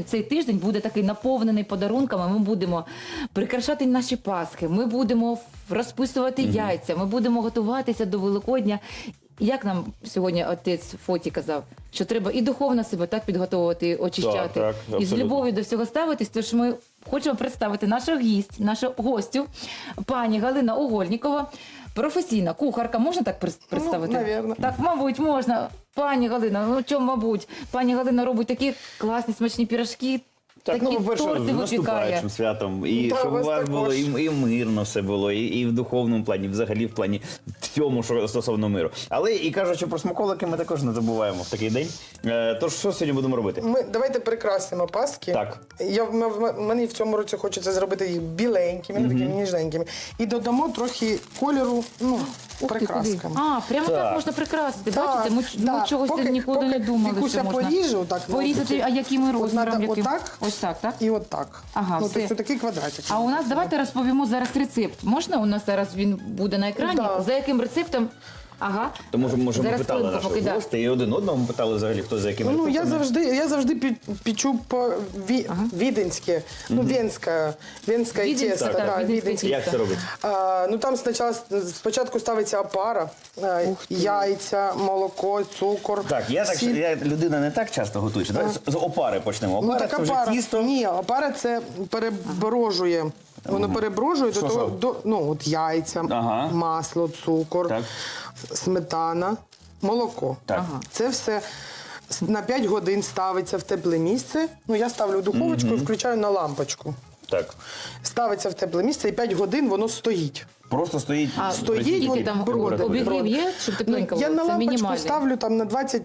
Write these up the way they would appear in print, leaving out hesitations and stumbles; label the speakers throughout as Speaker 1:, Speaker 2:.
Speaker 1: цей тиждень буде такий наповнений подарунками. Ми будемо прикрашати наші пасхи, ми будемо розписувати яйця, ми будемо готуватися до Великодня. Як нам сьогодні отець Фоті казав, що треба і духовно себе так підготовувати, і очищати,
Speaker 2: Так,
Speaker 1: і з
Speaker 2: абсолютно.
Speaker 1: любов'ю до всього ставитись. Тож ми хочемо представити нашу гостю, пані Галина Угольнікова, професійна кухарка. Можна так представити?
Speaker 3: Ну, навірно.
Speaker 1: Так, мабуть, можна. Пані Галина, ну чому, мабуть? Пані Галина робить такі класні смачні пірожки,
Speaker 2: Так,
Speaker 1: такі
Speaker 2: ну, по-перше,
Speaker 1: торти
Speaker 2: з
Speaker 1: випікає.
Speaker 2: наступаючим святом. І
Speaker 3: Та,
Speaker 2: щоб у
Speaker 3: вас
Speaker 2: вас
Speaker 3: також.
Speaker 2: було і мирно все було, і в духовному плані, взагалі в плані всьому, що стосовно миру. Але і кажучи про смаколики, ми також не забуваємо в такий день. Тож, що сьогодні будемо робити?
Speaker 3: Давайте прикрасимо паски.
Speaker 2: Так.
Speaker 3: Мені в цьому році хочеться зробити їх біленькими, такими ніжненькими. І додамо трохи кольору,
Speaker 1: Ух ти,
Speaker 3: прикрасками.
Speaker 1: куди? А, прямо так
Speaker 2: Так.
Speaker 1: можна прикрасити.
Speaker 3: Так,
Speaker 1: Бачите, ми
Speaker 3: так.
Speaker 1: чогось ніколи не думали,
Speaker 3: Вікуся
Speaker 1: що можна
Speaker 3: поріже, отак,
Speaker 1: порізати, а якими розміром?
Speaker 3: надо
Speaker 1: Яким?
Speaker 3: отак.
Speaker 1: Ось так, так?
Speaker 3: І отак.
Speaker 1: Ага, все.
Speaker 3: Тобто такий квадратик.
Speaker 1: А у нас, давайте розповімо зараз рецепт. Можна? У нас зараз він буде на екрані.
Speaker 3: Да.
Speaker 1: За яким рецептом? Ага.
Speaker 2: Тому що, може, ми
Speaker 1: Зараз
Speaker 2: питали
Speaker 1: хвилинку,
Speaker 2: наших
Speaker 1: поки, да.
Speaker 2: гостей, і один одного питали взагалі, хто за якими
Speaker 3: Ну, я
Speaker 2: рецептами.
Speaker 3: завжди печу по віденське, венське
Speaker 1: Віденське,
Speaker 3: тісто.
Speaker 1: так,
Speaker 3: Да,
Speaker 1: віденське
Speaker 3: віденське.
Speaker 2: Як це робить?
Speaker 3: Ну там спочатку ставиться опара, яйця, молоко, цукор,
Speaker 2: Так,
Speaker 3: сіль.
Speaker 2: я людина не так часто готуючи. Давай з опари почнемо.
Speaker 3: Ну,
Speaker 2: Опара
Speaker 3: так
Speaker 2: це вже
Speaker 3: опара.
Speaker 2: тісто.
Speaker 3: Ні, опара це переброжує. Воно переброжує
Speaker 2: Що,
Speaker 3: до того,
Speaker 2: що?
Speaker 3: от яйця,
Speaker 2: Ага.
Speaker 3: масло, цукор,
Speaker 2: Так.
Speaker 3: сметана, молоко.
Speaker 2: Так.
Speaker 1: Ага.
Speaker 3: Це все на 5 годин ставиться в тепле місце. Ну, я ставлю в духовочку і включаю на лампочку.
Speaker 2: Так.
Speaker 3: Ставиться в тепле місце і 5 годин воно стоїть.
Speaker 2: Просто стоїть.
Speaker 1: А
Speaker 3: Стоїть,
Speaker 1: скільки
Speaker 3: от
Speaker 1: там
Speaker 3: броди.
Speaker 1: обігрів є, щоб тепленько
Speaker 3: Я
Speaker 1: було?
Speaker 3: на
Speaker 1: Це
Speaker 3: лампочку
Speaker 1: мінімальний.
Speaker 3: ставлю там на 20,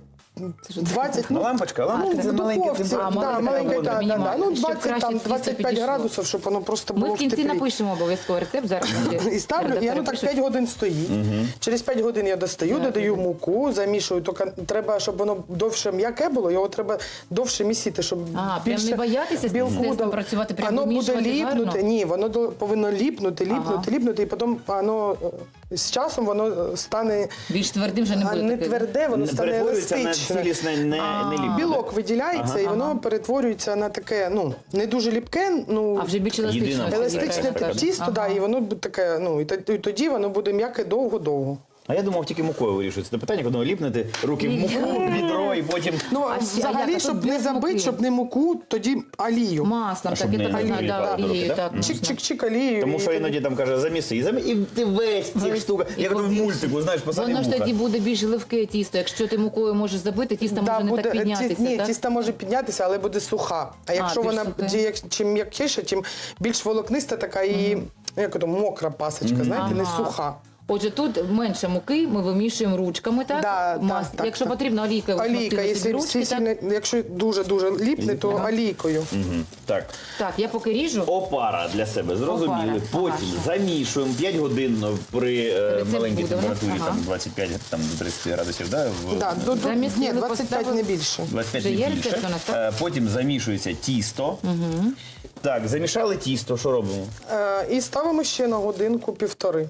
Speaker 2: Ну, лампочка, лампочка це
Speaker 3: в
Speaker 2: маленька
Speaker 3: духовці,
Speaker 2: температура.
Speaker 3: да, маленька,
Speaker 1: температура,
Speaker 3: да,
Speaker 1: мінімальна,
Speaker 3: ну
Speaker 1: щоб
Speaker 3: 20,
Speaker 1: краще
Speaker 3: там,
Speaker 1: тісто
Speaker 3: 25
Speaker 1: підійшло.
Speaker 3: градусів, щоб воно просто
Speaker 1: Ми
Speaker 3: було
Speaker 1: в кінці
Speaker 3: теплі.
Speaker 1: напишемо обов'язково рецепт зараз.
Speaker 3: І ставлю, і воно так 5 годин стоїть. Через 5 годин я достаю, додаю муку, замішую. Тільки треба, щоб воно довше м'яке було, його треба довше місити, щоб
Speaker 1: прям
Speaker 3: більше
Speaker 1: не боятися з
Speaker 3: білку
Speaker 1: тістом
Speaker 3: дало.
Speaker 1: працювати, прям
Speaker 3: Воно буде
Speaker 1: вимішувати
Speaker 3: ліпнути,
Speaker 1: гарно?
Speaker 3: ні, воно повинно ліпнути,
Speaker 1: Ага.
Speaker 3: і потім воно з часом воно стане
Speaker 1: Більш твердим вже не буде.
Speaker 3: не
Speaker 1: таке.
Speaker 3: тверде, воно стане
Speaker 2: Перетворюється на
Speaker 3: еластичне.
Speaker 2: цілісне, не ліпне.
Speaker 3: Білок виділяється, і воно перетворюється на таке, не дуже ліпке,
Speaker 1: А вже більш еластичне.
Speaker 2: Єдина
Speaker 3: еластичне
Speaker 2: така,
Speaker 3: тісто,
Speaker 1: Ага.
Speaker 3: да, і воно буде таке, і тоді воно буде м'яке довго-довго.
Speaker 2: А я думав, тільки мукою вирішується. Це питання, коли ліпнете руки в муку, відро і потім...
Speaker 3: Ну,
Speaker 1: А ще- а як? А
Speaker 3: взагалі,
Speaker 1: тут
Speaker 3: щоб не
Speaker 1: без
Speaker 3: забити,
Speaker 1: муки?
Speaker 3: щоб не муку, тоді олію.
Speaker 1: Маслом,
Speaker 2: А
Speaker 1: так,
Speaker 2: щоб
Speaker 1: я
Speaker 2: не
Speaker 1: так знаю,
Speaker 2: прилипали
Speaker 1: да,
Speaker 2: до руки,
Speaker 1: олією,
Speaker 2: да?
Speaker 1: так. можна.
Speaker 3: Чик-чик-чик олію.
Speaker 2: Тому що іноді там каже, заміси, і ти весь цих штук.
Speaker 1: І
Speaker 2: Як в
Speaker 1: воно-
Speaker 2: мультику, знаєш, посадив
Speaker 1: Воно ж
Speaker 2: муха.
Speaker 1: тоді буде більш ливке тісто. Якщо ти мукою можеш забити, тісто може не так піднятися,
Speaker 3: Ні,
Speaker 1: так?
Speaker 3: тісто може піднятися, але буде суха. А якщо
Speaker 1: більш
Speaker 3: вона
Speaker 1: сухе.
Speaker 3: чим м'якіша, тим більш волокниста така і як ото, мокра пасочка, знаєте, не
Speaker 1: Ага.
Speaker 3: суха.
Speaker 1: Отже, тут менше муки, ми вимішуємо ручками, так?
Speaker 3: Да, так,
Speaker 1: Якщо
Speaker 3: так.
Speaker 1: потрібно, олійкою
Speaker 3: Олійка,
Speaker 1: собі ручки, так?
Speaker 3: якщо дуже ліпне, то олійкою.
Speaker 2: Мгм. Так.
Speaker 1: Так, я поки ріжу.
Speaker 2: Опара для себе, зрозуміли.
Speaker 1: Опара.
Speaker 2: Потім замішуємо 5 годин при
Speaker 1: Рецепт
Speaker 2: маленькій
Speaker 1: буде у нас,
Speaker 2: температурі,
Speaker 1: ага.
Speaker 2: там 25 там, до 30 градусів, да?
Speaker 3: Да,
Speaker 1: Замісили,
Speaker 3: ні, 25
Speaker 1: поставили.
Speaker 3: не більше.
Speaker 2: 25
Speaker 1: Вже
Speaker 2: не
Speaker 1: є
Speaker 2: більше.
Speaker 1: рецепт у нас, так?
Speaker 2: Потім замішується тісто. Так, замішали тісто, що робимо?
Speaker 3: І ставимо ще на годинку-півтори.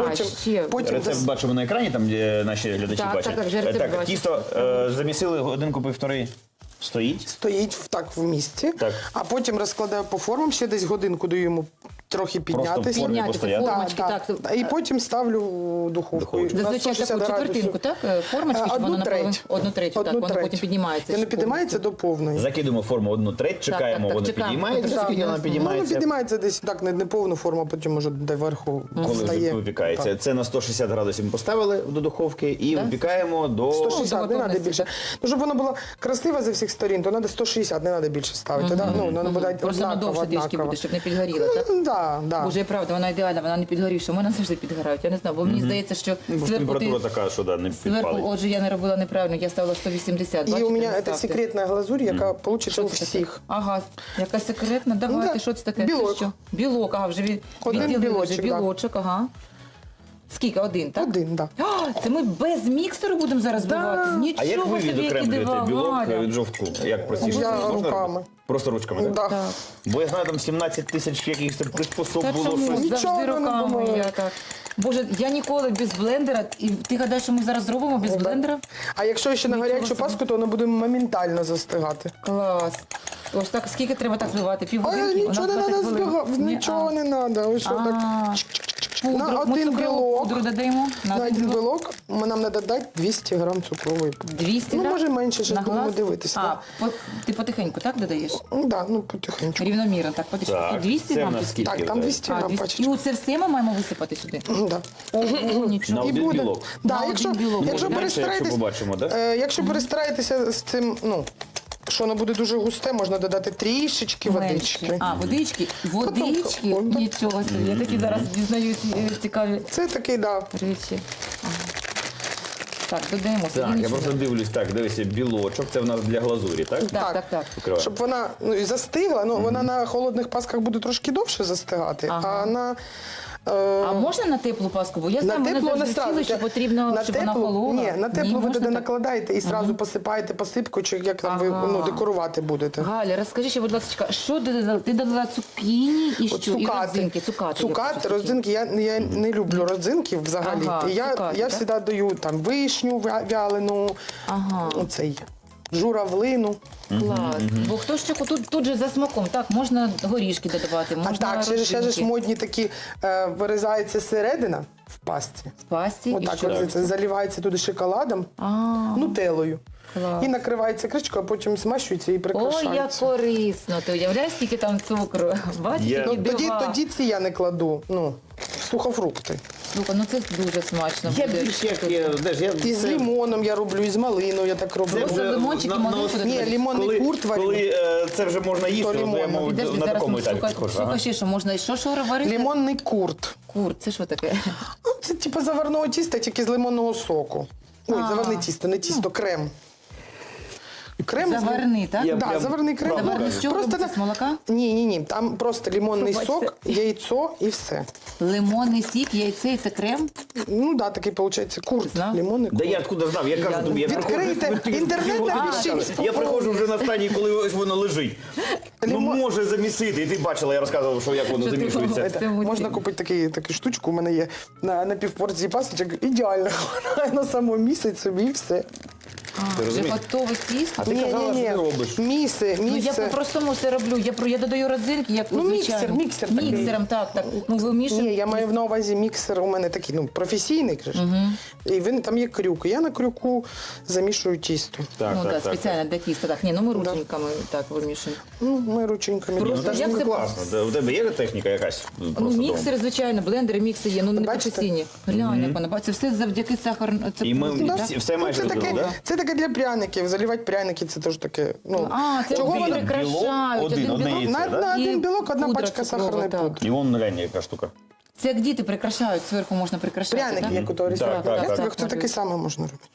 Speaker 1: ще.
Speaker 2: Рецепт бачимо на екрані, там де наші глядачі
Speaker 1: Так,
Speaker 2: бачать.
Speaker 1: так, вже рецепт
Speaker 2: Так,
Speaker 1: бачу.
Speaker 2: тісто замісили годинку-півтори. Стоїть.
Speaker 3: стоїть так в місці,
Speaker 2: Так.
Speaker 3: а потім розкладаю по формам, ще десь годинку даю йому трохи піднятися.
Speaker 2: в формі
Speaker 1: Підняти
Speaker 2: постояти.
Speaker 1: формочки, так.
Speaker 3: І потім ставлю в духовку.
Speaker 2: Духовочку.
Speaker 3: На
Speaker 1: Зазвичай
Speaker 3: 160
Speaker 1: таку четвертинку,
Speaker 3: градусів.
Speaker 1: так? Формочки, щоб воно наполовину-
Speaker 3: треть.
Speaker 1: Одну третю, так, воно потім піднімається.
Speaker 3: Воно
Speaker 1: ще
Speaker 3: піднімається
Speaker 1: повністю.
Speaker 3: до повної.
Speaker 2: Закидуємо форму 1/3, чекаємо,
Speaker 1: так,
Speaker 2: воно
Speaker 1: чекаємо.
Speaker 2: підіймається.
Speaker 1: Так,
Speaker 2: Скільки
Speaker 1: так.
Speaker 2: вона
Speaker 3: Воно
Speaker 2: підіймається?
Speaker 3: піднімається десь так, не повну форму, а потім може до верху
Speaker 2: Коли вже
Speaker 3: встає.
Speaker 2: випікається.
Speaker 3: Так.
Speaker 2: Це на 160 градусів ми поставили до духовки і випікаємо до...
Speaker 3: 160, не треба
Speaker 1: готовності.
Speaker 3: більше. Ну, щоб воно було красиво зі всіх сторін, то треба 160, не треба більше ставити. Да? Ну, воно буде
Speaker 1: Просто воно довше трішки буде, щоб не підгоріло, так?
Speaker 3: Да.
Speaker 1: Боже, і правда, вона ідеальна, вона не підгорівша. У мене завжди підгорають. Я не знаю, бо мені здається, що
Speaker 2: Бо ж
Speaker 1: зверху
Speaker 2: температура
Speaker 1: ти...
Speaker 2: така, що да, не
Speaker 1: Зверху,
Speaker 2: підпалить.
Speaker 1: отже, я не робила неправильно, я ставила 180.
Speaker 3: І
Speaker 1: Бачите,
Speaker 3: у мене
Speaker 1: не
Speaker 3: це
Speaker 1: ставте.
Speaker 3: секретна глазурь, яка вийде
Speaker 1: Що
Speaker 3: у
Speaker 1: це таке?
Speaker 3: всіх.
Speaker 1: Ага, яка секретна, давайте,
Speaker 3: да,
Speaker 1: що це таке?
Speaker 3: білок.
Speaker 1: Це що? Білок, ага, вже
Speaker 3: Один
Speaker 1: відділили вже
Speaker 3: білочок, да.
Speaker 1: білочок, ага. Скільки? Один, так?
Speaker 3: Один, так. Да.
Speaker 1: О, це ми без міксеру будемо зараз збивати? Нічого
Speaker 2: А як ви
Speaker 1: собі, які
Speaker 2: відокремлюєте
Speaker 1: дива,
Speaker 2: білок
Speaker 1: Галя.
Speaker 2: від жовтку? Як простіше?
Speaker 3: Я
Speaker 2: Можна робити?
Speaker 3: руками.
Speaker 2: Просто ручками, так?
Speaker 3: Да.
Speaker 1: Так.
Speaker 2: Бо я знаю, там 17 тисяч якихось там приспособ
Speaker 1: Та
Speaker 2: було
Speaker 1: чому?
Speaker 2: щось.
Speaker 3: Нічого
Speaker 1: Завжди
Speaker 3: не
Speaker 1: руками
Speaker 3: помогла.
Speaker 1: я так. Боже, я ніколи без блендера. І ти гадаєш, що ми зараз зробимо без блендера?
Speaker 3: А якщо ще на
Speaker 1: Нічого
Speaker 3: гарячу
Speaker 1: собі.
Speaker 3: паску, то вона буде моментально застигати.
Speaker 1: Клас. Ось так, скільки треба так збивати?
Speaker 3: А
Speaker 1: Півгодинки? У нас
Speaker 3: нічого не
Speaker 1: 20
Speaker 3: треба
Speaker 1: хвилин.
Speaker 3: збігати,
Speaker 1: Ні,
Speaker 3: нічого не треба. Ось так.
Speaker 1: А, пудру.
Speaker 3: На
Speaker 1: Ми
Speaker 3: один
Speaker 1: цукрову
Speaker 3: білок.
Speaker 1: пудру додаємо.
Speaker 3: На один білок нам треба дати 200 грам цукрової пудри.
Speaker 1: 200
Speaker 3: Ну,
Speaker 1: грам?
Speaker 3: може, менше, щас
Speaker 1: На
Speaker 3: будемо
Speaker 1: глаз?
Speaker 3: дивитись,
Speaker 1: А,
Speaker 3: да.
Speaker 1: ти потихеньку, так, додаєш?
Speaker 3: Ну, да, ну потихеньку.
Speaker 1: Рівномірно, так, потихеньку.
Speaker 2: Так,
Speaker 1: І 200
Speaker 2: це
Speaker 1: грам?
Speaker 2: в нас
Speaker 1: чи скільки?
Speaker 2: скільки?
Speaker 3: Так, там 200
Speaker 1: А,
Speaker 3: грам
Speaker 1: 200.
Speaker 3: пачечка.
Speaker 1: І оце все ми маємо висипати сюди?
Speaker 3: Ну, да.
Speaker 1: Ого, нічого.
Speaker 2: На
Speaker 3: І
Speaker 2: один
Speaker 3: буде.
Speaker 2: білок.
Speaker 3: Да,
Speaker 1: На
Speaker 3: якщо,
Speaker 1: один білок.
Speaker 3: якщо
Speaker 2: Може, менше, якщо
Speaker 3: перестараєтесь,
Speaker 2: побачимо, так?
Speaker 3: якщо перестараєтеся з цим, ну, що воно буде дуже густе, можна додати трішечки водички.
Speaker 1: А, водички? Водички?
Speaker 3: Потім-
Speaker 1: Нічого собі. Я такі зараз дізнаюсь цікаві
Speaker 3: Це такий, да.
Speaker 1: речі. Ага. Так, додаємо собі
Speaker 2: Так, я
Speaker 1: нічого.
Speaker 2: просто дивлюсь, так, дивися, білочок, це в нас для глазурі, так?
Speaker 1: Так.
Speaker 2: Покриваємо.
Speaker 3: Щоб вона ну, і застигла, ну вона на холодних пасках буде трошки довше застигати,
Speaker 1: Ага.
Speaker 3: а на
Speaker 1: А можна на теплу паску? Бо я
Speaker 3: на
Speaker 1: знаю, мене
Speaker 3: теплу не
Speaker 1: завжди
Speaker 3: сразу.
Speaker 1: вчили, що потрібно, щоб вона холола.
Speaker 3: Ні, на теплу ви
Speaker 1: можна
Speaker 3: туди
Speaker 1: так?
Speaker 3: накладаєте і одразу посипаєте посипкою, чи як там ви
Speaker 1: Ага.
Speaker 3: ну, декорувати будете.
Speaker 1: Галя, розкажи ще, будь ласка, що ти додала? Ти додала цукіні і
Speaker 3: От
Speaker 1: що? І родзинки, цукати.
Speaker 3: Цукати, родзинки. Я не люблю родзинки взагалі.
Speaker 1: Ага,
Speaker 3: І я
Speaker 1: цукати, так?
Speaker 3: завжди даю там вишню вялену,
Speaker 1: Ага.
Speaker 3: оцей журавлину.
Speaker 1: Клас. Бо хто ще тут же за смаком, так, можна горішки додавати, можна
Speaker 3: А так, ще ж
Speaker 1: родзинки.
Speaker 3: модні такі вирізається середина в пасті.
Speaker 1: В пасті і
Speaker 3: Отак
Speaker 1: що?
Speaker 3: от це заливається туди шоколадом,
Speaker 1: А,
Speaker 3: нутеллою.
Speaker 1: клас.
Speaker 3: І накривається кришкою, а потім смащується і
Speaker 1: Ой, як
Speaker 3: прикрашається.
Speaker 1: корисно. Ти уявляєш, скільки там цукру? Бачиш,
Speaker 2: Я-
Speaker 1: які
Speaker 3: Ну,
Speaker 1: дива.
Speaker 3: тоді ці я не кладу. Ну, сухофрукти.
Speaker 1: Слухай, ну це дуже смачно
Speaker 2: Я
Speaker 1: буде.
Speaker 2: більш як,
Speaker 3: І з лимоном я роблю, і з малиною я так роблю.
Speaker 2: Це
Speaker 1: Просто
Speaker 2: вже
Speaker 1: лимончик і
Speaker 2: на-
Speaker 1: малинку
Speaker 2: на-
Speaker 1: додати.
Speaker 3: Ні, лимонний
Speaker 2: коли,
Speaker 3: курт варю.
Speaker 2: коли це вже можна їсти,
Speaker 3: То
Speaker 2: то я
Speaker 3: лимонно.
Speaker 2: мову,
Speaker 1: Підожди,
Speaker 2: на
Speaker 1: зараз
Speaker 2: такому
Speaker 1: ми
Speaker 2: етапі
Speaker 1: слухай,
Speaker 2: підходжу.
Speaker 1: слухай ще, що можна, що варити?
Speaker 3: Лимонний курт.
Speaker 1: Кур, це що таке?
Speaker 3: Ну, це типу заварного тіста, тільки з лимонного соку. Ой,
Speaker 1: А.
Speaker 3: заварне тісто, не тісто, крем. Крем з-
Speaker 1: Заварний, так?
Speaker 2: Я
Speaker 3: Да,
Speaker 2: прям
Speaker 3: заварний крем.
Speaker 2: правду
Speaker 1: Заварний з чого
Speaker 3: Просто
Speaker 1: робиться? З молока?
Speaker 3: Ні. Там просто лимонний
Speaker 1: Пробачте.
Speaker 3: сок, яйцо і все.
Speaker 1: Лимонний сік, яйце і це крем?
Speaker 3: Ну да, такий виходить курт.
Speaker 1: Знав?
Speaker 3: Лимонний
Speaker 2: Да
Speaker 3: курт.
Speaker 2: я откуда знав? Я кажу тобі, я
Speaker 3: Відкрийте
Speaker 2: приходжу-
Speaker 3: інтернет,
Speaker 2: півгодини
Speaker 3: напишіть,
Speaker 2: чекаю. Я приходжу вже на стадії, коли ось воно лежить. Ну
Speaker 3: Лимон-
Speaker 2: може замісити. І ти бачила, я розказував, що як воно
Speaker 1: Що ти
Speaker 2: замішується.
Speaker 1: говориш? Це
Speaker 3: Можна купити таку штучку, у мене є на півпорції пасочок. Ідеально. На само місяць собі і все.
Speaker 2: Ти
Speaker 1: Вже
Speaker 2: розумієш?
Speaker 1: готове тісто?
Speaker 2: А ти казала, що ти робиш.
Speaker 3: Міси.
Speaker 1: Ну я по-простому це роблю. Я додаю родзинки, як
Speaker 3: Ну,
Speaker 1: звичайно.
Speaker 3: міксер такий.
Speaker 1: Міксером, так. Ну вимішуємо.
Speaker 3: Ні, я маю на увазі міксер, у мене такий, ну, професійний, кажеш. І він там є крюк. І я на крюку замішую тісто.
Speaker 2: Так,
Speaker 1: Ну
Speaker 2: так,
Speaker 1: так,
Speaker 2: так.
Speaker 1: спеціально для тіста. Так, ні, ну ми рученьками так вимішуємо.
Speaker 3: Ну, ми рученьками.
Speaker 1: Просто
Speaker 2: Ну, це ж
Speaker 1: як
Speaker 2: не
Speaker 1: це-
Speaker 2: класно. У тебе є техніка якась?
Speaker 1: Ну,
Speaker 2: Просто
Speaker 1: міксери, звичайно, блендери, мікси є, ну не
Speaker 3: Бачите?
Speaker 1: професійні. Глянь, як вона бачить. Це все завдяки сахару. Це
Speaker 2: І ми
Speaker 1: да?
Speaker 2: все майже
Speaker 3: це,
Speaker 2: додали,
Speaker 3: таке,
Speaker 2: да?
Speaker 3: це таке для пряників. Заливати пряники, це теж таке. Ну,
Speaker 1: А, це
Speaker 3: чого
Speaker 1: вони
Speaker 3: воно-
Speaker 1: прикрашають.
Speaker 2: Один
Speaker 1: білок.
Speaker 2: яйце,
Speaker 3: на,
Speaker 2: да?
Speaker 3: на
Speaker 1: І
Speaker 3: один білок одна
Speaker 1: пудра
Speaker 3: пачка
Speaker 1: цукрова,
Speaker 3: сахарної
Speaker 1: так.
Speaker 3: пудри.
Speaker 2: І вон глянь, яка штука.
Speaker 1: Це як діти прикрашають, зверху можна прикрашати.
Speaker 3: Пряники,
Speaker 1: так?
Speaker 3: як у того ресторану.
Speaker 2: так, так.
Speaker 3: Це таке саме можна робити.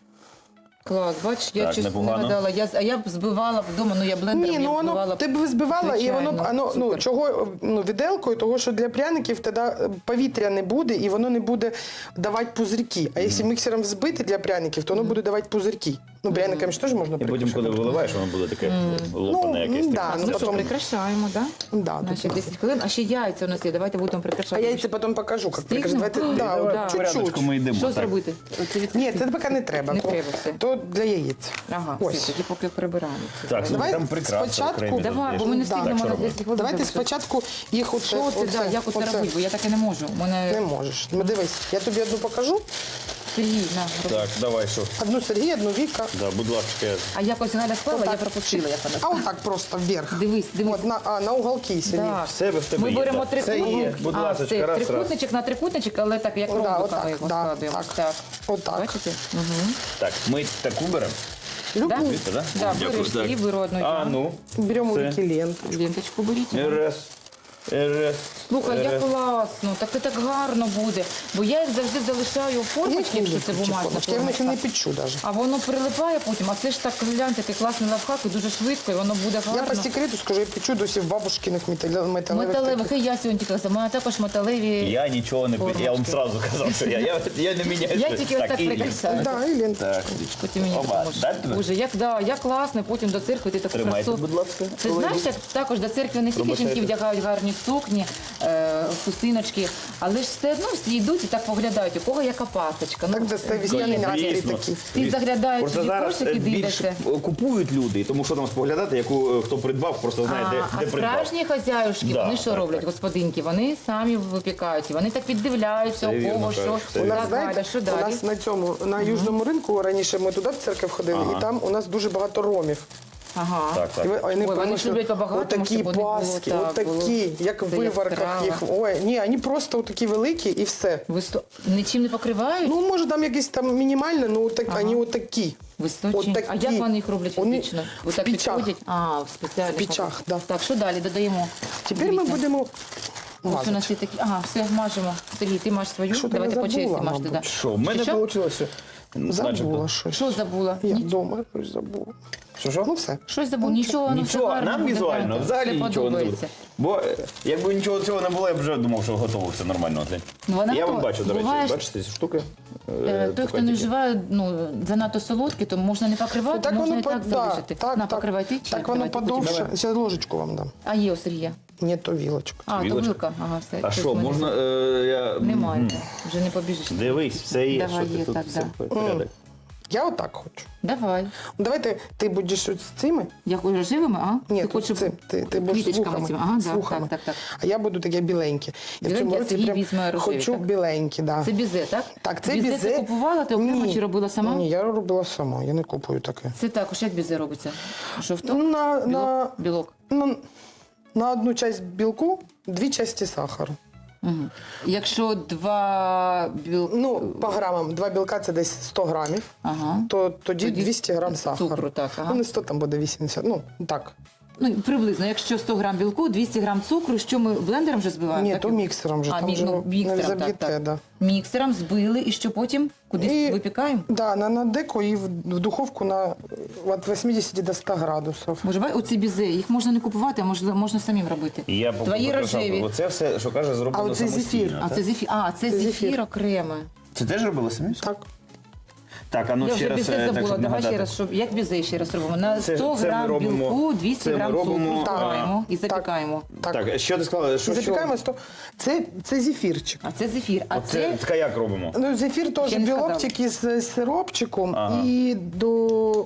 Speaker 1: Клас, бачиш, я
Speaker 2: Так,
Speaker 1: чесно не
Speaker 2: непогано.
Speaker 1: гадала. А я б збивала вдома, ну я блендером
Speaker 3: Ні, ну
Speaker 1: я б
Speaker 3: воно
Speaker 1: збивала.
Speaker 3: ти б збивала, і воно б
Speaker 1: Звичайно,
Speaker 3: ну
Speaker 1: супер.
Speaker 3: чого ну віделкою, того що для пряників тоді повітря не буде і воно не буде давати пузирки. А якщо міксером взбити для пряників, то воно буде давати пузирки. Ну пряниками ж теж можна
Speaker 2: І потім,
Speaker 3: прикрашати.
Speaker 2: коли виливаєш, воно буде таке лопане якесь.
Speaker 3: да,
Speaker 2: таке.
Speaker 3: ну,
Speaker 1: Ну що,
Speaker 3: потім-
Speaker 1: прикрашаємо, так?
Speaker 3: Да,
Speaker 1: Наші
Speaker 3: тут-
Speaker 1: 10 хвилин. А ще яйця у нас є, давайте будемо
Speaker 3: А
Speaker 1: прикрашати.
Speaker 3: я це потім покажу, як
Speaker 1: Стигнемо?
Speaker 3: прикажу. Давайте,
Speaker 1: Давай,
Speaker 3: да,
Speaker 1: да.
Speaker 3: от
Speaker 2: Порядочку
Speaker 3: чуть-чуть.
Speaker 2: ми йдемо.
Speaker 1: Що
Speaker 2: так.
Speaker 1: зробити? Оце від-
Speaker 3: Ні, це поки не треба.
Speaker 1: Не
Speaker 3: то,
Speaker 1: треба все.
Speaker 3: то для яєць.
Speaker 1: Ага,
Speaker 3: Ось.
Speaker 1: все, тоді поки прибираємо. це.
Speaker 2: Так, слухай,
Speaker 3: Давай
Speaker 2: там прекрасно.
Speaker 3: спочатку-
Speaker 2: окремі
Speaker 1: Давай,
Speaker 2: тут
Speaker 1: бо ми не
Speaker 2: є.
Speaker 1: встигнемо
Speaker 2: Так, що
Speaker 1: на
Speaker 2: робимо?
Speaker 1: 10 хвилин.
Speaker 3: Давайте
Speaker 1: завершити.
Speaker 3: спочатку їх оце.
Speaker 1: Що це, да, як оце робити? Бо я таке не можу. У мене
Speaker 3: Не можеш. Ну дивись, я тобі одну покажу.
Speaker 1: Сергій, на, роби.
Speaker 2: Так, давай, що?
Speaker 3: Одну Сергія, одну Віка.
Speaker 2: Да, будь ласка.
Speaker 1: А якось Галя склала, я
Speaker 3: Отак.
Speaker 1: пропустила, як вона
Speaker 3: А
Speaker 1: склала.
Speaker 3: отак просто вверх.
Speaker 1: Дивись, дивись.
Speaker 3: От на уголки Сергій.
Speaker 1: Так.
Speaker 2: В себе в тебе
Speaker 1: Ми
Speaker 2: є,
Speaker 1: беремо
Speaker 2: так. Це
Speaker 1: трикутник.
Speaker 2: є, будь ласка,
Speaker 1: це
Speaker 2: раз.
Speaker 1: трикутничок на трикутничок, але так, як
Speaker 3: Да,
Speaker 1: ромбиками
Speaker 3: отак,
Speaker 1: його
Speaker 3: да,
Speaker 1: складуємо.
Speaker 3: так. Отак.
Speaker 1: Бачите? Угу.
Speaker 2: Так, ми таку беремо.
Speaker 3: Любу.
Speaker 1: Да?
Speaker 2: Віка, да?
Speaker 1: Да,
Speaker 2: Дякую,
Speaker 1: береш
Speaker 2: так.
Speaker 1: і беру одну.
Speaker 2: А, ну.
Speaker 3: Беремо
Speaker 2: Це.
Speaker 3: Віки ленту.
Speaker 1: Ленточку беріть.
Speaker 2: Раз.
Speaker 1: Слухай, як класно, так і так гарно буде. Бо я їх завжди залишаю у формочці, якщо це бумажна
Speaker 3: Я в них і не
Speaker 1: формочка.
Speaker 3: печу навіть.
Speaker 1: А воно прилипає потім, а це ж так, глянь, такий класний лайфхак, і дуже швидко, і воно буде
Speaker 3: Я
Speaker 1: гарно.
Speaker 3: по секрету скажу, я печу досі в бабушкиних металевих.
Speaker 1: Металевих, і я сьогодні тільки казала, маю також металеві.
Speaker 2: Я нічого не я вам одразу казав, що я не міняю.
Speaker 1: Я тільки ось так
Speaker 2: Ілля.
Speaker 1: прикрашаю.
Speaker 3: Да, і ленточку.
Speaker 2: Так,
Speaker 1: Потім мені
Speaker 2: Оба,
Speaker 1: допоможеш.
Speaker 2: дати тобі?
Speaker 1: Боже, як класно, потім до церкви ти таку
Speaker 2: Тримайте,
Speaker 1: красу.
Speaker 2: будь ласка.
Speaker 1: Ти знаєш, як також до церкви не тільки
Speaker 2: Пробачайте.
Speaker 1: жінки вдягають гарні сукні, хустиночки, але ж все одно всі йдуть і так поглядають, у кого яка пасочка.
Speaker 3: Так, де це весняний
Speaker 1: є.
Speaker 3: настрій
Speaker 2: Звісно.
Speaker 3: такий.
Speaker 1: Всі заглядають
Speaker 2: Просто
Speaker 1: собі
Speaker 2: зараз
Speaker 1: кошик і
Speaker 2: більше
Speaker 1: дивляться.
Speaker 2: купують люди, тому що там споглядати, яку хто придбав, просто знає,
Speaker 1: А
Speaker 2: де придбав.
Speaker 1: справжні хазяюшки,
Speaker 2: Да,
Speaker 1: вони що
Speaker 2: так,
Speaker 1: роблять,
Speaker 2: так.
Speaker 1: господинки? Вони самі випікають, і вони так піддивляються,
Speaker 2: Це
Speaker 1: у
Speaker 2: вірно,
Speaker 1: кого, що,
Speaker 2: кажеш, це
Speaker 3: У
Speaker 2: вірно.
Speaker 3: нас,
Speaker 1: так, Галя,
Speaker 3: знаєте,
Speaker 1: що
Speaker 3: у
Speaker 1: далі?
Speaker 3: нас на цьому, на Южному ринку, раніше ми туди в церкву ходили,
Speaker 2: Ага.
Speaker 3: і там у нас дуже багато ромів.
Speaker 1: Ага.
Speaker 2: Так, так.
Speaker 3: І вони
Speaker 1: Ой, вони
Speaker 3: приносять
Speaker 1: ж люблять по-багатому,
Speaker 3: отакі
Speaker 1: щоб вони було,
Speaker 3: паски,
Speaker 1: так,
Speaker 3: отакі,
Speaker 1: було.
Speaker 3: як в
Speaker 1: Це
Speaker 3: виварках
Speaker 1: яскраво.
Speaker 3: їх. Ой, ні, вони просто такі великі і все.
Speaker 1: Нічим не покривають?
Speaker 3: Ну, може, там якісь там мінімальне, ну, вони отакі.
Speaker 1: Височі. А
Speaker 3: Отакі.
Speaker 1: як вони їх роблять
Speaker 3: Вони
Speaker 1: фізично?
Speaker 3: в
Speaker 1: Отак
Speaker 3: пічах.
Speaker 1: підходять? А, в спеціальних.
Speaker 3: В пічах, да.
Speaker 1: Так, що далі додаємо?
Speaker 3: Тепер ми
Speaker 1: Дивіться.
Speaker 3: будемо
Speaker 1: Ось у нас
Speaker 3: мазати.
Speaker 1: є такі. Ага, все, мажемо. Сергій, ти маж свою.
Speaker 3: Що ти
Speaker 1: Давайте
Speaker 3: не
Speaker 1: по черзі
Speaker 3: забула,
Speaker 1: мажте.
Speaker 3: мабуть?
Speaker 1: Да.
Speaker 2: Що, в мене
Speaker 1: Що?
Speaker 2: вийшло?
Speaker 3: Забула щось.
Speaker 1: Що забула?
Speaker 3: Я вдома щось забула.
Speaker 2: Що?
Speaker 3: Ну, все.
Speaker 1: Щось забула. Нічого, ну все
Speaker 2: Нічого,
Speaker 1: гарно
Speaker 2: нам
Speaker 1: буде,
Speaker 2: візуально
Speaker 1: гарно.
Speaker 2: взагалі
Speaker 1: Все
Speaker 2: нічого не буде.
Speaker 1: подобається.
Speaker 2: Бо якби нічого цього не було, я б вже думав, що готово все нормально.
Speaker 1: Ну, вона
Speaker 2: Я
Speaker 1: готова.
Speaker 2: вам бачу, до речі,
Speaker 1: Буває ж,
Speaker 2: бачите ці штуки?
Speaker 1: Той, хто не вживає занадто солодкі, то можна не покривати,
Speaker 3: Так
Speaker 1: можна
Speaker 3: воно
Speaker 1: і так залишити. На, покривай ти чи
Speaker 3: Так воно
Speaker 1: давайте потім.
Speaker 3: подовше. Зараз ложечку вам дам.
Speaker 1: А є у Сергія.
Speaker 3: Ні, то вілочка.
Speaker 1: А, то
Speaker 2: Вілочка?
Speaker 1: вилка. Ага, все.
Speaker 2: А
Speaker 1: щось
Speaker 2: що,
Speaker 1: в мене
Speaker 2: можна... я...
Speaker 1: Немає, вже не побіжиш.
Speaker 2: Дивись, все є,
Speaker 1: Давай,
Speaker 2: що ти
Speaker 1: є,
Speaker 2: тут
Speaker 1: так,
Speaker 2: все
Speaker 1: да.
Speaker 2: порядок.
Speaker 3: Я отак хочу.
Speaker 1: Давай.
Speaker 3: Ну, давайте ти будеш от з цими.
Speaker 1: Я хочу живими, а?
Speaker 3: Ні,
Speaker 1: ти
Speaker 3: тут
Speaker 1: хочеш
Speaker 3: з цим. Ти будеш з
Speaker 1: квіточками
Speaker 3: вухами.
Speaker 1: цими? Ага,
Speaker 3: з
Speaker 1: да,
Speaker 3: вухами.
Speaker 1: так.
Speaker 3: А я буду таке біленьке. Я в
Speaker 1: Біленьке,
Speaker 3: цьому
Speaker 1: а
Speaker 3: році
Speaker 1: Сергій
Speaker 3: прям
Speaker 1: візьме рожеві,
Speaker 3: хочу
Speaker 1: так?
Speaker 3: біленькі, да.
Speaker 1: Це бізе, так?
Speaker 3: Так, це
Speaker 1: бізе.
Speaker 3: бізе.
Speaker 1: Ти купувала, ти окремо
Speaker 3: Ні.
Speaker 1: чи робила сама?
Speaker 3: Ні, я робила сама, я не купую таке.
Speaker 1: Це також, як бізе робиться? Жовток?
Speaker 3: На,
Speaker 1: Білок.
Speaker 3: на одну часть білку 2 часті сахару.
Speaker 1: Угу. Якщо 2 білки...
Speaker 3: Ну, по грамам, 2 білка це десь 100 грамів,
Speaker 1: Ага.
Speaker 3: то тоді
Speaker 1: Тоді
Speaker 3: 200 грам сахару.
Speaker 1: цукру, так, ага.
Speaker 3: Ну, не 100, там буде 80, ну, так.
Speaker 1: Ну, приблизно, якщо 100 грам білку, 200 грам цукру, що ми блендером вже збиваємо?
Speaker 3: Ні,
Speaker 1: так?
Speaker 3: то міксером вже,
Speaker 1: А,
Speaker 3: там вже не
Speaker 1: міксером,
Speaker 3: заб'єте,
Speaker 1: так.
Speaker 3: да.
Speaker 1: Міксером збили, і що потім? Кудись
Speaker 3: І-
Speaker 1: випікаємо?
Speaker 3: Да, на деко і в духовку на від 80 до 100 градусів.
Speaker 1: Боже, бай, оці бізе, їх можна не купувати, а можна самим робити.
Speaker 2: І я
Speaker 1: Твої рожеві.
Speaker 2: Оце все, що каже,
Speaker 3: А
Speaker 2: зроблено
Speaker 3: оце
Speaker 2: самостійно.
Speaker 3: зефір.
Speaker 1: А
Speaker 2: так?
Speaker 1: це зефір. А, це
Speaker 3: Це
Speaker 1: зефір
Speaker 3: зефір.
Speaker 1: окремо.
Speaker 2: Це теж робили самі?
Speaker 3: Так.
Speaker 2: Так, а ну
Speaker 1: Я
Speaker 2: ще
Speaker 1: вже
Speaker 2: раз,
Speaker 1: бізе
Speaker 2: так,
Speaker 1: забула.
Speaker 2: щоб
Speaker 1: Давай ще
Speaker 2: нагадати.
Speaker 1: раз, щоб як бізе ще раз робимо. На
Speaker 2: Це-
Speaker 1: 100
Speaker 2: це ми
Speaker 1: грам
Speaker 2: робимо-
Speaker 1: білку, 200
Speaker 2: це ми
Speaker 1: грам
Speaker 2: робимо,
Speaker 1: цукру
Speaker 3: так.
Speaker 1: збиваємо і запікаємо.
Speaker 3: Так.
Speaker 2: Так, що ти сказала?
Speaker 3: І
Speaker 2: Що,
Speaker 3: запікаємо 100. Це зефірчик.
Speaker 1: А це зефір. А
Speaker 2: Оце,
Speaker 1: це
Speaker 2: така як робимо?
Speaker 3: Ну, зефір теж
Speaker 1: Ще не
Speaker 3: білок
Speaker 1: сказала.
Speaker 3: тільки з сиропчиком
Speaker 2: Ага.
Speaker 3: і до.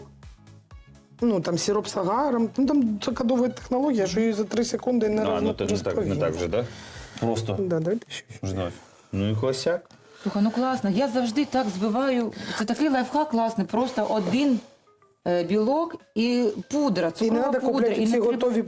Speaker 3: Ну, там сироп з агаром. Ну, там така довга технологія, що її за 3 секунди не
Speaker 2: Ну то не так вже, так? Просто.
Speaker 3: Да, давайте ще.
Speaker 2: Ждать. Ну і хосяк.
Speaker 1: Слухай, ну класно. Я завжди так збиваю. Це такий лайфхак класний. Просто один білок і пудра,
Speaker 3: І не
Speaker 1: цукрова
Speaker 3: треба
Speaker 1: пудра.
Speaker 3: купляти
Speaker 1: І
Speaker 3: ці
Speaker 1: не треба
Speaker 3: готові,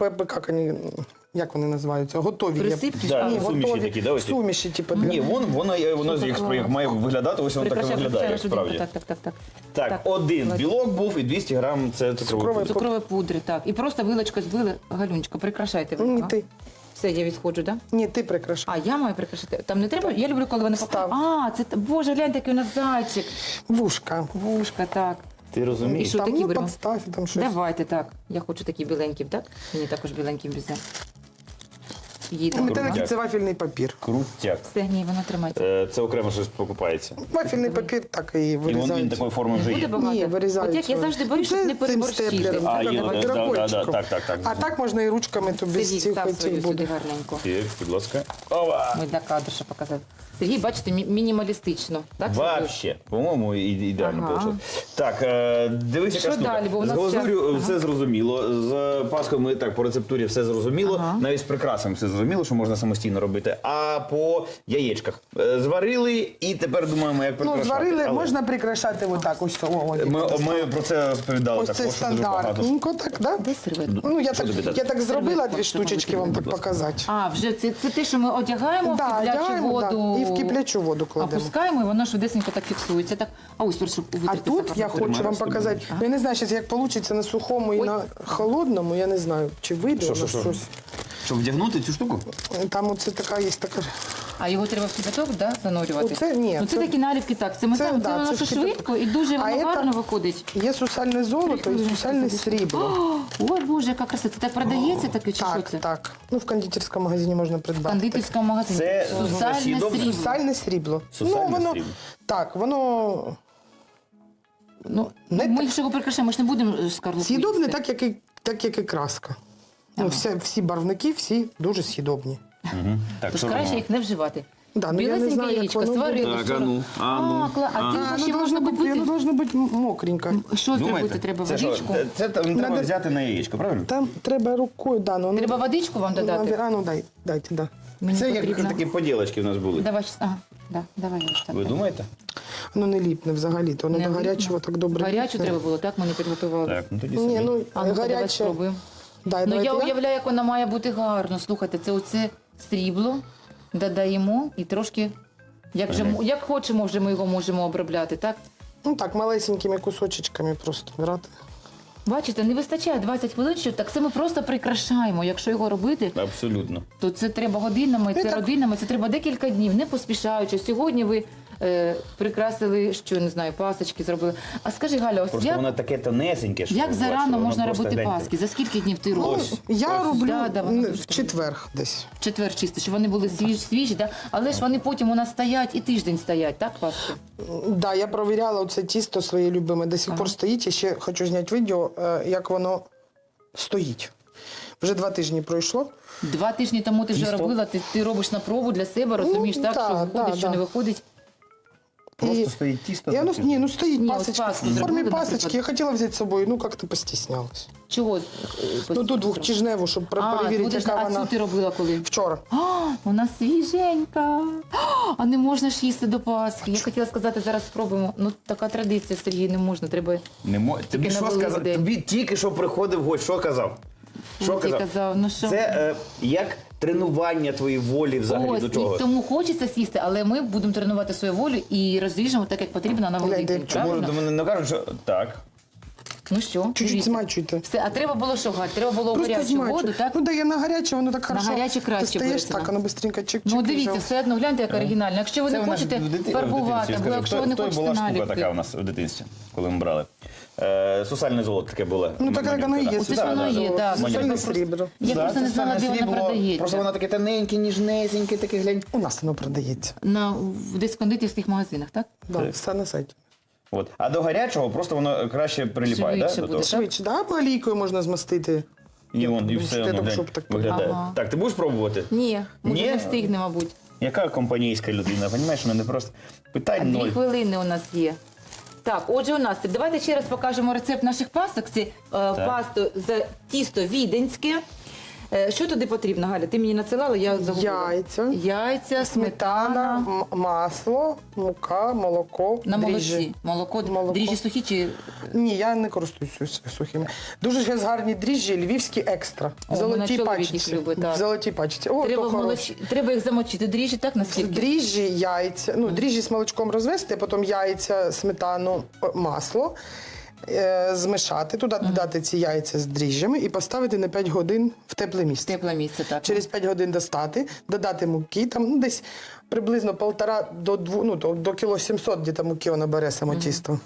Speaker 3: як вони називаються? Готові. є.
Speaker 1: присипки.
Speaker 2: Да,
Speaker 1: А,
Speaker 2: суміші такі, да, оці?
Speaker 3: Суміші, типу.
Speaker 2: Ні, воно як має виглядати, ось воно так і
Speaker 1: прикрашай,
Speaker 2: виглядає,
Speaker 1: прикрашай,
Speaker 2: справді.
Speaker 1: Так.
Speaker 2: Так, один білок був і 200 грам це цукровий
Speaker 3: Цукровий
Speaker 2: пудр.
Speaker 1: Цукрової пудри, так. І просто вилочкою збили. Галюнечка, прикрашайте ви.
Speaker 3: Ні,
Speaker 1: ага.
Speaker 3: ти.
Speaker 1: Все, я відходжу, так? Да?
Speaker 3: Ні, ти прикрашай.
Speaker 1: А, я маю прикрашати. Там не треба? Я люблю, коли вони
Speaker 3: Став.
Speaker 1: А, це Боже, глянь, такий у нас зайчик.
Speaker 3: Вушка.
Speaker 1: Вушка, так.
Speaker 2: Ти
Speaker 1: І
Speaker 2: розумієш?
Speaker 1: що
Speaker 3: Там,
Speaker 1: такі
Speaker 3: ну,
Speaker 1: беремо?
Speaker 3: подстав, там щось.
Speaker 1: Давайте так. Я хочу такі біленькі, так? Мені також біленьким бізе. Їде.
Speaker 3: Метелики це вафельний папір.
Speaker 2: Крутяк.
Speaker 1: Все, ні, воно тримається.
Speaker 2: Це окремо щось покупається.
Speaker 3: Вафельний папір так і
Speaker 2: І
Speaker 3: вирізають.
Speaker 2: він такої форми вже
Speaker 1: Буде
Speaker 2: є.
Speaker 1: багато?
Speaker 3: Ні, вирізають.
Speaker 1: От як я завжди боюсь, щоб
Speaker 3: Це
Speaker 1: не
Speaker 3: цим
Speaker 1: переборщити.
Speaker 3: степлером,
Speaker 2: А,
Speaker 3: так,
Speaker 2: є,
Speaker 3: так,
Speaker 2: да,
Speaker 3: дробовичком.
Speaker 2: так.
Speaker 3: А так можна і ручками, то без
Speaker 1: Сергій,
Speaker 3: цих
Speaker 1: став
Speaker 3: оцих
Speaker 1: свою сюди
Speaker 3: буде.
Speaker 1: гарненько.
Speaker 2: Є, будь ласка. Ова!
Speaker 1: Ми для кадра показати. Сергій, бачите, мінімалістично. Так, Сергій?
Speaker 2: Вообще, по-моєму, ідеально
Speaker 1: Ага.
Speaker 2: вийшло. Так, дивись,
Speaker 1: Що
Speaker 2: яка штука.
Speaker 1: далі? Бо у
Speaker 2: З
Speaker 1: нас
Speaker 2: глазур'ю
Speaker 1: час.
Speaker 2: все зрозуміло, з паскою ми так по рецептурі все зрозуміло,
Speaker 1: Ага.
Speaker 2: навіть з прикрасами все зрозуміло, що можна самостійно робити. А по яєчках зварили і тепер думаємо, як
Speaker 3: Ну,
Speaker 2: прикрашати.
Speaker 3: зварили,
Speaker 2: Але
Speaker 3: можна прикрашати отак ось.
Speaker 2: Ми про це розповідали
Speaker 3: Ось це
Speaker 2: також, що дуже багато.
Speaker 3: стандартненько, так, да?
Speaker 1: Де серветка?
Speaker 3: Ну, я
Speaker 2: Що тобі
Speaker 3: так,
Speaker 2: дати?
Speaker 3: я так зробила
Speaker 1: Серветка,
Speaker 3: 2
Speaker 1: щоб
Speaker 3: штучечки вам так
Speaker 2: будь ласка.
Speaker 3: показати.
Speaker 1: А, вже це те, що ми одягаємо
Speaker 3: Да,
Speaker 1: в киплячу
Speaker 3: одягаємо, да,
Speaker 1: воду.
Speaker 3: і в киплячу воду кладемо.
Speaker 1: Опускаємо, і воно швидесенько так фіксується. Так, а ось, щоб
Speaker 3: А
Speaker 1: витерти
Speaker 3: тут
Speaker 1: сахар.
Speaker 3: я хочу вам
Speaker 2: Тримаєш
Speaker 3: показати.
Speaker 1: тобі?
Speaker 3: Ну, я не знаю, щас, як вийде на сухому і
Speaker 1: Ой.
Speaker 3: на холодному, я не знаю, чи вийде у нас
Speaker 2: Що?
Speaker 3: щось.
Speaker 2: Щоб вдягнути цю штуку?
Speaker 3: Там оце така є така.
Speaker 1: А його треба в кипяток, да, занурювати?
Speaker 3: Оце ні,
Speaker 1: Ну, це
Speaker 3: це-
Speaker 1: такі наліпки, так. Це ми
Speaker 3: це,
Speaker 1: там,
Speaker 3: да,
Speaker 1: це воно
Speaker 3: це
Speaker 1: що
Speaker 3: в кипяток.
Speaker 1: швидко і дуже
Speaker 3: А
Speaker 1: воно
Speaker 3: це-
Speaker 1: гарно виходить.
Speaker 3: Є сусальне золото і сусальне срібло.
Speaker 1: Ой, Боже, яка краса. Це так продається таке чи що
Speaker 3: Так,
Speaker 1: це?
Speaker 3: так. Ну, в кондитерському магазині можна
Speaker 1: В
Speaker 3: придбати.
Speaker 1: кондитерському магазині.
Speaker 2: Це
Speaker 1: Сусальне
Speaker 2: сідобне?
Speaker 1: срібло.
Speaker 3: Сусальне срібло.
Speaker 2: Сусальне
Speaker 3: воно,
Speaker 2: срібло.
Speaker 3: Так, воно
Speaker 1: Ну,
Speaker 3: Не
Speaker 1: ми ж його прикрашаємо, ми ж не будемо скарлупу
Speaker 3: з'їдобне,
Speaker 1: їсти.
Speaker 3: так як і краска. Ну, всі барвники, всі дуже з'їдобні.
Speaker 2: Угу. Так,
Speaker 1: Тож
Speaker 2: що
Speaker 1: краще
Speaker 2: робимо?
Speaker 1: їх не вживати.
Speaker 3: Да, ну, я не
Speaker 1: Білесеньке
Speaker 3: знаю, як
Speaker 1: яєчко,
Speaker 3: воно буде.
Speaker 1: сварили.
Speaker 2: Так,
Speaker 1: що-
Speaker 2: а ти
Speaker 1: ще можна купити?
Speaker 3: Воно должно бути мокренько.
Speaker 1: Що зробити? Треба
Speaker 2: Це що?
Speaker 1: водичку?
Speaker 2: Це там треба
Speaker 3: Надо-
Speaker 2: взяти на яєчко, правильно?
Speaker 3: Там треба рукою, да, ну,
Speaker 1: Треба водичку вам додати?
Speaker 3: А, ну дайте, да.
Speaker 1: Мені
Speaker 2: Це як
Speaker 1: потрібно.
Speaker 2: такі поділочки в нас були.
Speaker 1: Давай щас. Ага, да, давай ось так.
Speaker 2: Ви думаєте?
Speaker 3: Воно не ліпне взагалі, то воно
Speaker 1: Не
Speaker 3: до
Speaker 1: видно?
Speaker 3: гарячого так добре.
Speaker 1: Гарячу
Speaker 3: ліпне.
Speaker 1: треба було, так? Ми не підготували.
Speaker 2: Так, ну тоді
Speaker 3: Ні,
Speaker 2: собі.
Speaker 3: ну
Speaker 1: А ну давай
Speaker 3: гаряче.
Speaker 1: спробуємо.
Speaker 3: Дай,
Speaker 1: Ну
Speaker 3: давайте
Speaker 1: я
Speaker 3: я.
Speaker 1: уявляю, як вона має бути гарно. Слухайте, це оце срібло додаємо і трошки, як хочемо, вже ми його можемо обробляти, так?
Speaker 3: Ну так, малесенькими кусочечками просто брати.
Speaker 1: Бачите, не вистачає 20 хвилин, що так це ми просто прикрашаємо. Якщо його робити,
Speaker 2: Абсолютно.
Speaker 1: то це треба годинами,
Speaker 3: Ну,
Speaker 1: це
Speaker 3: так.
Speaker 1: родинами, це треба декілька днів, не поспішаючи. Сьогодні ви прикрасили, що не знаю, пасочки зробили. А скажи, Галя, ось
Speaker 2: Просто воно таке тонесеньке, що
Speaker 1: як
Speaker 2: бачите,
Speaker 1: зарано
Speaker 2: воно
Speaker 1: можна
Speaker 2: просто
Speaker 1: робити
Speaker 2: гляньте.
Speaker 1: паски? За скільки днів ти
Speaker 3: Ну,
Speaker 1: робиш?
Speaker 3: я роблю
Speaker 1: Да, воно дуже
Speaker 3: в четвер десь.
Speaker 1: В четвер чисто, щоб вони були свіжі, да? Але ж вони потім у нас стоять і тиждень стоять, так, паски?
Speaker 3: Да, я провіряла оце тісто своє любиме, до сих пор стоїть. І ще хочу зняти відео, як воно стоїть. Вже 2 тижні пройшло.
Speaker 1: 2 тижні тому ти вже
Speaker 2: Тісто?
Speaker 1: робила, ти робиш на пробу для себе, розумієш, так,
Speaker 3: да,
Speaker 1: що виходить,
Speaker 3: да,
Speaker 1: що не
Speaker 3: да.
Speaker 1: виходить.
Speaker 2: Просто
Speaker 3: І-
Speaker 2: стоїть тісто.
Speaker 3: Я,
Speaker 2: таке.
Speaker 3: ну стоїть
Speaker 1: Ні, ось
Speaker 3: пасочка.
Speaker 1: паску
Speaker 3: В формі
Speaker 1: зробили,
Speaker 3: пасочки.
Speaker 1: наприклад.
Speaker 3: Я хотіла взяти з собою, ну як-то постіснялась.
Speaker 1: Чого?
Speaker 3: Ну тут двохтижневу, щоб перевірити, яка
Speaker 1: а
Speaker 3: вона.
Speaker 1: цю ти робила коли?
Speaker 3: Вчора.
Speaker 1: А, вона свіженька. А не можна ж їсти до Пасхи. Я хотіла сказати, зараз спробуємо. Ну, така традиція, Сергій, не можна, треба...
Speaker 2: Тобі
Speaker 1: на
Speaker 2: що
Speaker 1: Великдень.
Speaker 2: сказав? Тобі тільки що приходив гость, що казав? Що
Speaker 1: Ти казав, ну що?
Speaker 2: Це як тренування твоєї волі взагалі
Speaker 1: Ось,
Speaker 2: до чого?
Speaker 1: і тому хочеться сісти, але ми будемо тренувати свою волю і розріжемо так, як потрібно на Великдень,
Speaker 3: Гляньте,
Speaker 2: Чому
Speaker 1: правильно?
Speaker 2: до мене не кажуть, що так.
Speaker 1: Ну що,
Speaker 3: Чуть-чуть
Speaker 1: дивіться.
Speaker 3: змачуйте.
Speaker 1: Все, а треба було що, Галь? Треба було у
Speaker 3: Просто
Speaker 1: гарячу
Speaker 3: змачуй.
Speaker 1: воду, так?
Speaker 3: Ну да, я на гаряче, воно так хорошо.
Speaker 1: гаряче краще
Speaker 3: Ти стаєш
Speaker 1: береться,
Speaker 3: так,
Speaker 1: да.
Speaker 3: воно бистренько чик-чик.
Speaker 1: Ну
Speaker 3: і
Speaker 1: дивіться,
Speaker 3: вже.
Speaker 1: все одно гляньте, як оригінально. Якщо ви не
Speaker 2: у нас
Speaker 1: хочете
Speaker 2: в дитинстві,
Speaker 1: фарбувати,
Speaker 2: скажу,
Speaker 1: або якщо ви не
Speaker 2: то
Speaker 1: хочете
Speaker 2: була штука
Speaker 1: наліпки.
Speaker 2: така у нас в дитинстві, коли ми брали. Сусальне золото таке було.
Speaker 3: Ну так як воно і є.
Speaker 1: Оце ж воно є, так.
Speaker 3: Сусальне срібло.
Speaker 1: Я просто не знала, де воно продається.
Speaker 2: Просто воно таке тоненьке, ніжнесеньке, таке глянь.
Speaker 3: У нас воно продається.
Speaker 1: В десь кондитерських магазинах, так?
Speaker 3: Да, все на сайті.
Speaker 2: От. А до гарячого просто воно краще приліпає,
Speaker 1: Швидше
Speaker 2: да, до
Speaker 1: буде.
Speaker 2: того?
Speaker 3: Швидше, да, або олійкою можна змастити.
Speaker 2: І вон, і
Speaker 3: Ну,
Speaker 2: все
Speaker 3: щоб
Speaker 2: воно,
Speaker 3: так,
Speaker 2: глянь,
Speaker 3: щоб так-
Speaker 2: виглядає.
Speaker 1: Ага.
Speaker 2: Так, ти будеш пробувати?
Speaker 1: Ні, ми
Speaker 2: Ні?
Speaker 1: не встигне, мабуть.
Speaker 2: Яка компанійська людина, розумієш, мене просто питань
Speaker 1: 2
Speaker 2: ноль.
Speaker 1: хвилини у нас є. Так, отже, у нас давайте ще раз покажемо рецепт наших пасок. Це пасту за тісто віденське. Що туди потрібно, Галя? Ти мені надсилала, я загубила. Яйця,
Speaker 3: Сметана, масло, мука, молоко,
Speaker 1: на
Speaker 3: дріжджі.
Speaker 1: молоці. Молоко. Дріжджі сухі чи
Speaker 3: Ні, я не користуюся сухими. Дуже гарні дріжджі, львівські екстра.
Speaker 1: О,
Speaker 3: В золотій
Speaker 1: мене чоловік їх
Speaker 3: пачці.
Speaker 1: любить, так.
Speaker 3: В золотій пачці. О,
Speaker 1: треба,
Speaker 3: то хороші.
Speaker 1: треба їх замочити? Дріжджі, так, наскільки?
Speaker 3: Дріжджі, яйця, ну, дріжджі з молочком розвести, потім яйця, сметану, масло, змішати, туди додати ці яйця з дріжджами і поставити на 5 годин в тепле місце.
Speaker 1: Тепле місце, так.
Speaker 3: Через 5 годин достати, додати муки, там ну, десь приблизно 1,5 до 2, ну, до кіло 700 десь муки воно бере само тісто.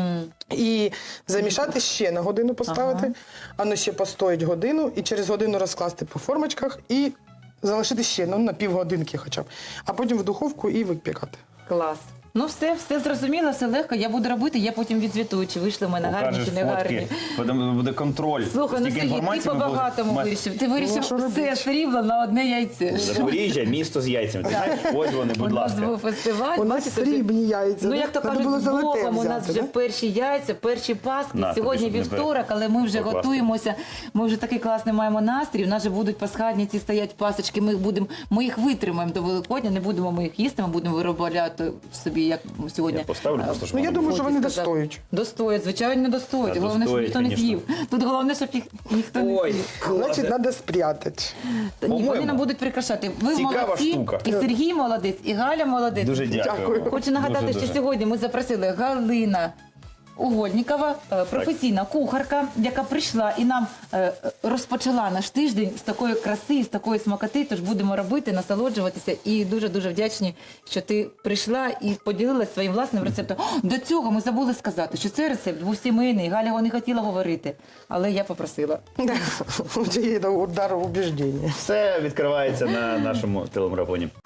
Speaker 3: І замішати ще на годину поставити, воно ще постоїть годину, і через годину розкласти по формочках і залишити ще на півгодинки хоча б. А потім в духовку і випікати.
Speaker 1: Клас. Ну все зрозуміло, все легко. Я буду робити, я потім відзвітую, чи вийшли в мене гарні,
Speaker 2: Покажеш
Speaker 1: чи не гарні.
Speaker 2: фотки, буде контроль.
Speaker 1: Слухай, ну
Speaker 2: Стільки
Speaker 1: Сергій, ти
Speaker 2: інформації ми
Speaker 1: по-багатому
Speaker 2: будемо-
Speaker 1: вирішив. Ти
Speaker 3: Ну,
Speaker 1: вирішив
Speaker 3: що
Speaker 1: все
Speaker 3: робити?
Speaker 1: срібло на одне яйце.
Speaker 2: Запоріжжя, місто з яйцями. Ти знаєш, ось вони,
Speaker 1: У
Speaker 2: будь
Speaker 1: нас
Speaker 2: ласка.
Speaker 1: був фестиваль.
Speaker 3: У нас
Speaker 1: бачите,
Speaker 3: срібні яйця.
Speaker 1: Ну,
Speaker 3: да?
Speaker 1: як то
Speaker 3: Треба
Speaker 1: кажуть,
Speaker 3: було
Speaker 1: з
Speaker 3: золоте
Speaker 1: Богом у нас
Speaker 3: взяти,
Speaker 1: вже
Speaker 3: да?
Speaker 1: перші яйця, перші паски.
Speaker 2: На,
Speaker 1: Сьогодні
Speaker 2: тобі, щоб не
Speaker 1: вівторок, але ми вже
Speaker 2: покласти.
Speaker 1: готуємося. Ми вже такий класний маємо настрій. У нас же будуть пасхальні ці стоять пасочки. Ми їх витримаємо до Великодня, не будемо ми їх їсти, ми будемо виробляти собі, як сьогодні.
Speaker 2: Я поставлю просто, щоб
Speaker 3: Ну, я
Speaker 2: воно
Speaker 3: думаю, що вони
Speaker 1: Сказав.
Speaker 3: достоять.
Speaker 1: Достоять, звичайно, достоять.
Speaker 2: Та
Speaker 1: Головне, щоб
Speaker 2: достоять,
Speaker 1: ніхто не
Speaker 2: конечно.
Speaker 1: з'їв. Тут головне, щоб їх ніхто не
Speaker 2: Ой,
Speaker 1: з'їв.
Speaker 3: Значить,
Speaker 2: класно.
Speaker 3: треба спрятати.
Speaker 1: Та ні, вони
Speaker 2: По-моєму,
Speaker 1: нам будуть прикрашати. Ви
Speaker 2: цікава
Speaker 1: молодці,
Speaker 2: штука.
Speaker 1: і Сергій молодець, і Галя молодець.
Speaker 2: Дуже дякую.
Speaker 3: Дякую.
Speaker 2: вам.
Speaker 1: Хочу нагадати,
Speaker 2: Дуже-дуже.
Speaker 1: що сьогодні ми запросили Галина Угольнікова, професійна кухарка, яка прийшла і нам розпочала наш тиждень з такої краси, з такої смакоти. Тож будемо робити, насолоджуватися. І дуже-дуже вдячні, що ти прийшла і поділилася своїм власним рецептом. До цього ми забули сказати, що цей рецепт був сімейний. Галя його не хотіла говорити, але я попросила.
Speaker 3: Є удар убіждення.
Speaker 2: Все відкривається на нашому телемарафоні.